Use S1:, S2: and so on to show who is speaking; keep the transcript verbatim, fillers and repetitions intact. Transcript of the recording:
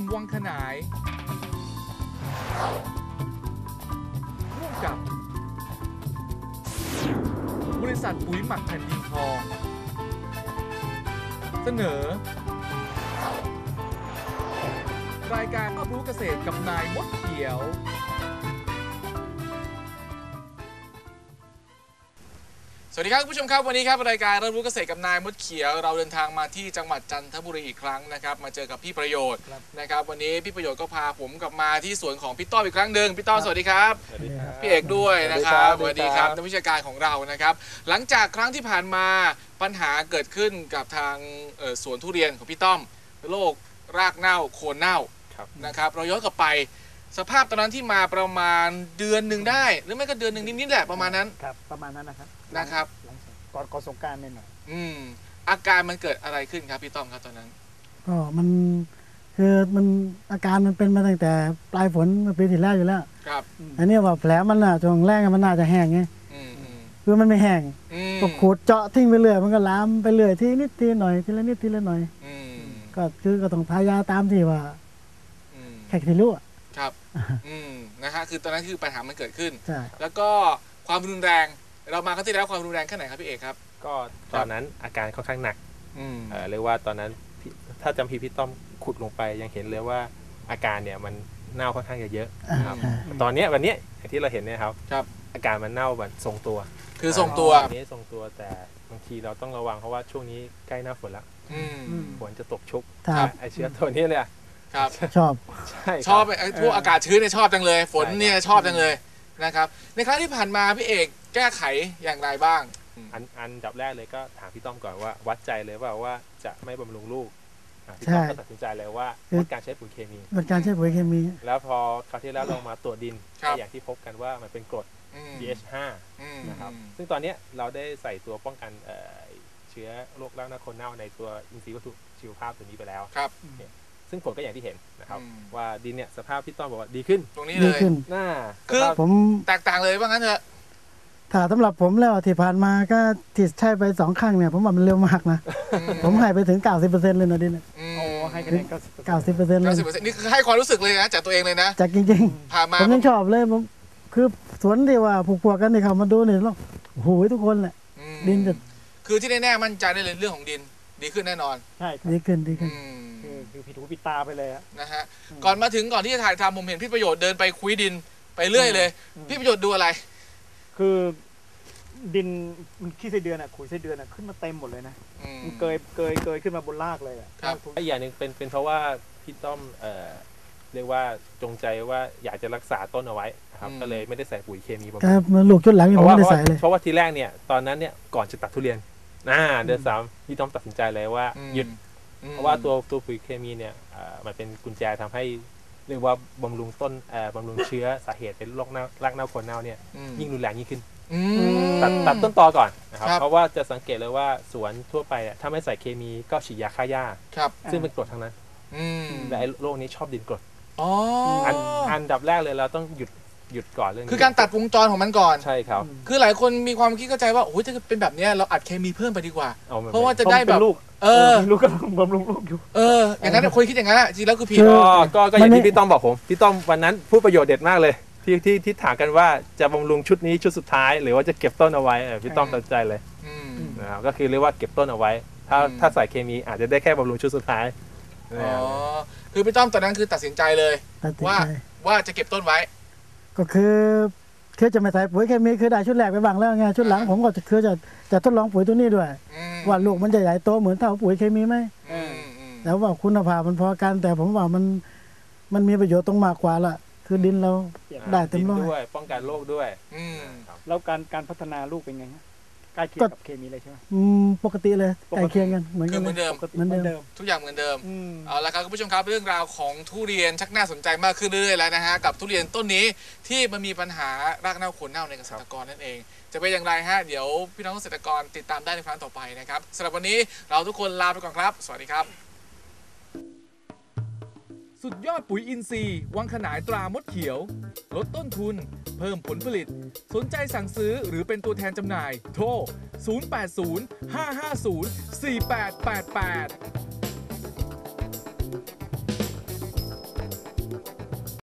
S1: วังขนายร่วมกับบริษัทปุ๋ยหมักแผ่นดินทองเสนอรายการรับรู้เกษตรกับนายมดเขียวสวัสดีครับคุณผู้ชมครับวันนี้ครับรายการรับรู้เกษตรกับนายมดเขียวเราเดินทางมาที่จังหวัดจันทบุรีอีกครั้งนะครับมาเจอกับพี่ประโยชน์นะครับวันนี้พี่ประโยชน์ก็พาผมกลับมาที่สวนของพี่ต้อมอีกครั้งหนึ่งพี่ต้อมสวัสดีครับสวัสดีครับพี่เอกด้วยนะครับสวัสดีครับนักวิชาการของเรานะครับหลังจากครั้งที่ผ่านมาปัญหาเกิดขึ้นกับทางสวนทุเรียนของพี่ต้อมโรครากเน่าโคนเน่านะครับเราย้อนกลับไปสภาพตอนนั้นที่มาประมาณเดือนหนึ่งได้หรือไม่ก็เดือนหนึ่งนิดๆแหละประมาณนั้น
S2: ครับประมาณนั้นนะครับ
S1: นะครับ
S2: ก่อนก่อนสงกรานต์นิดหน่อย
S1: อืมอาการมันเกิดอะไรขึ้นครับพี่ต้อมครับตอนนั้น
S3: ก็มันคือมันอาการมันเป็นมาตั้งแต่ปลายฝนเมื่อปีที่แล้วอยู่แล้ว
S1: ครับ
S3: อันนี้ว่าแผลมันน่ะช่วงแรกมันน่าจะแห้งไงคือมันไม่แห้งก็ขูดเจาะทิ้งไปเรื่อยมันก็ลามไปเรื่อยทีนิดทีหน่อยทีละนิดทีละหน่อยก็คือก็ต้องทายาตามที่ว่าแค่ที่รู้
S1: ครับอืมนะฮะคือตอนนั้นคือปัญหามันเกิดขึ้น
S3: ใช่
S1: แล้วก็ความรุนแรงเรามาครั้งที่แล้วความรุนแรงแค่ไหนครับพี่เอกครับ
S4: ก็ตอนนั้นอาการค่อนข้างหนักเรียกว่าตอนนั้นถ้าจำพี่พี่ต้อมขุดลงไปยังเห็นเลยว่าอาการเนี่ยมันเน่าค่อนข้างเยอะครับตอนนี้วันนี้อย่างที่เราเห็นเนี่ยครับ
S1: ครับ
S4: อาการมันเน่าแบบทรงตัว
S1: คือทรงตัว
S4: อันนี้ทรงตัวแต่บางทีเราต้องระวังเพราะว่าช่วงนี้ใกล้หน้าฝนแล้วฝนจะตกชุกไอเชื้อตัวนี้เลย
S1: ครับ
S3: ชอบ
S4: ใช่
S1: ชอบไอ้พวกอากาศชื้นเนี่ยชอบจังเลยฝนเนี่ยชอบจังเลยนะครับในครั้งที่ผ่านมาพี่เอกแก้ไขอย่างไรบ้าง
S4: อันอันดับแรกเลยก็ถามพี่ต้อมก่อนว่าวัดใจเลยว่าว่าจะไม่บำรุงลูกพี่ต้อมก็ตัดสินใจเลยว่าลดการใช้ปุ๋ยเคมี
S3: ลดการใช้ปุ๋ยเคมี
S4: แล้วพอคราวที่แล้วเรามาตรวจดินอย่างที่พบกันว่ามันเป็นกรด พี เอช ห้า นะครับซึ่งตอนนี้เราได้ใส่ตัวป้องกันเชื้อโรครากเน่าโคนเน่าในตัวอินทรีย์วัตถุชีวภาพตัวนี้ไปแล้วซึ่งผลก็อย่างที่เห็นนะครับว่าดินเนี่ยสภาพพี่ต้อมบอกว่าดีขึ้น
S1: ตรงนี้เลย
S4: หน้า
S1: คือผมแตกต่างเลยว่างั้นเถอะ
S3: ถ้าสำหรับผมแล้วที่ผ่านมาก็ที่ใช้ไปสองครั้งเนี่ยผมว่ามันเร็วมากนะผมให้ไปถึง เก้าสิบเปอร์เซ็นต์ เลยนะดิน
S1: โอ้
S2: ให้คะแนน
S3: เก้าสิบเปอร์เซ็นต์เลย
S1: นี่คือให้ความรู้สึกเลยนะจากตัวเองเลยนะ
S3: จากจริงๆ
S1: ผ่านมา
S3: ผมยังชอบเลยผมคือสวนที่ว่าผูกพัวกันที่เขามาดูเนี่ยแล้วโอ้โหทุกคนแหละดินจะ
S1: คือที่แน่ๆมั่นใจได้เลยเรื่องของดินดีขึ้นแน่นอน
S2: ใช่
S3: ดีขึ้นดีขึ้น
S2: คือผิดหูผิดตาไปเลย
S1: นะฮะก่อนมาถึงก่อนที่จะถ่ายทำผมเห็นพี่ประโยชน์เดินไปคุยดินไปเรื่อยเลยพี่ประโยชน์ดูอะไร
S2: คือดินมันขี้ไส้เดือนอ่ะขุยไส้เดือนอ่ะขึ้นมาเต็มหมดเลยนะมันเกยเกยเกยขึ้นมาบนรากเลยอ่ะ
S1: ครับ
S4: อีกอย่างหนึ่งเป็นเป็นเพราะว่าพี่ต้อมเอ่อเรียกว่าจงใจว่าอยากจะรักษาต้นเอาไว้ครับก็เลยไม่ได้ใส่ปุ๋ยเคมี
S3: ครับมันลูกชุดหลังยังไม่ได้ใส่เลย
S4: เพราะว่าทีแรกเนี่ยตอนนั้นเนี่ยก่อนจะตัดทุเรียนอ่าเดือนสามพี่ต้อมตัดสินใจเลยว่าหยุดเพราะว่าตัวตัวปุ๋ยเคมีเนี่ยมันเป็นกุญแจทำให้เรียกว่าบำรุงต้นบำรุงเชื้อสาเหตุเป็นโรคเน่ารากเน่าโคนเน่าเนี่ยยิ่งรุนแรงยิ่งขึ้นตัดตัดต้นตอก่อนนะครับเพราะว่าจะสังเกตเลยว่าสวนทั่วไปถ้าไม่ใส่เคมีก็ฉีดยาฆ่าหญ้าซึ่งเป็นกรดทั้งนั้นแต่ไอ้โรคนี้ชอบดินกรดอันอันดับแรกเลยเราต้องหยุดหยุดก่อนเรื่องนี้
S1: คือการตัดวงจรของมันก่อน
S4: ใช่ครับ
S1: คือหลายคนมีความคิดเข้าใจว่าโอ้ยถ้าเป็นแบบนี้เราอัดเคมีเพิ่มไปดีกว่าเพราะว่าจะได้แบบ
S2: ลูกเออลูกก็บำรุงลูกอยู่
S1: เอออย่างนั้นคนคิดอย่างนั้นจริงแล้วคือผิด
S4: ก็ก็อย่างที่พี่ต้อมบอกผมพี่ต้อมวันนั้นพูดประโยชน์เด็ดมากเลยที่ที่ที่ถามกันว่าจะบำรุงชุดนี้ชุดสุดท้ายหรือว่าจะเก็บต้นเอาไว้พี่ต้อมตัดใจเลยนะครับก็คือเรียกว่าเก็บต้นเอาไว้ถ้าถ้าใส่เคมีอาจจะได้แค่บำรุงชุดสุดท้าย
S1: อ๋อคือพี่ต้อมตอนนั้นคือตัดสินใจเลยว่าว่าจะเก็บต้นไว้
S3: ก็คือคือจะไม่ใส่ปุ๋ยเคมีคือได้ชุดแรกไปบ้างแล้วไงชุดหลังผมก็คือจะจะทดลองปุ๋ยตัวนี้ด้วยว่าลูกมันจะใหญ่โตเหมือนเท่าปุ๋ยเคมีไหมแล้วว่าคุณภาพมันพอกันแต่ผมว่ามันมันมีประโยชน์ตรงมากกว่าละคือดินเราได้เต็มร้อย
S4: ด้วยป้องกันโรคด้วย
S2: แล้วการการพัฒนาลูกเป็นไงฮะใกล้เคียงกับเคมีเลยใช่ไหม
S3: อืมปกติเลยใกล้เคียงกันเหมือนกัน
S1: เหมือนเดิม
S3: เหมือนเดิม
S1: ทุกอย่างเหมือนเดิมเอาละครับคุณผู้ชมครับเรื่องราวของทุเรียนชักน่าสนใจมากขึ้นเรื่อยๆแล้วนะฮะกับทุเรียนต้นนี้ที่มันมีปัญหารากเน่าโคนเน่าในเกษตรกรนั่นเองจะเป็นอย่างไรฮะเดี๋ยวพี่น้องเกษตรกรติดตามได้ในครั้งต่อไปนะครับสำหรับวันนี้เราทุกคนลาไปก่อนครับสวัสดีครับสุดยอดปุ๋ยอินทรีย์วังขนายตรามดเขียวลดต้นทุนเพิ่มผลผลิตสนใจสั่งซื้อหรือเป็นตัวแทนจำหน่ายโทรศูนย์ แปด ศูนย์ ห้า ห้า ศูนย์ สี่ แปด แปด แปด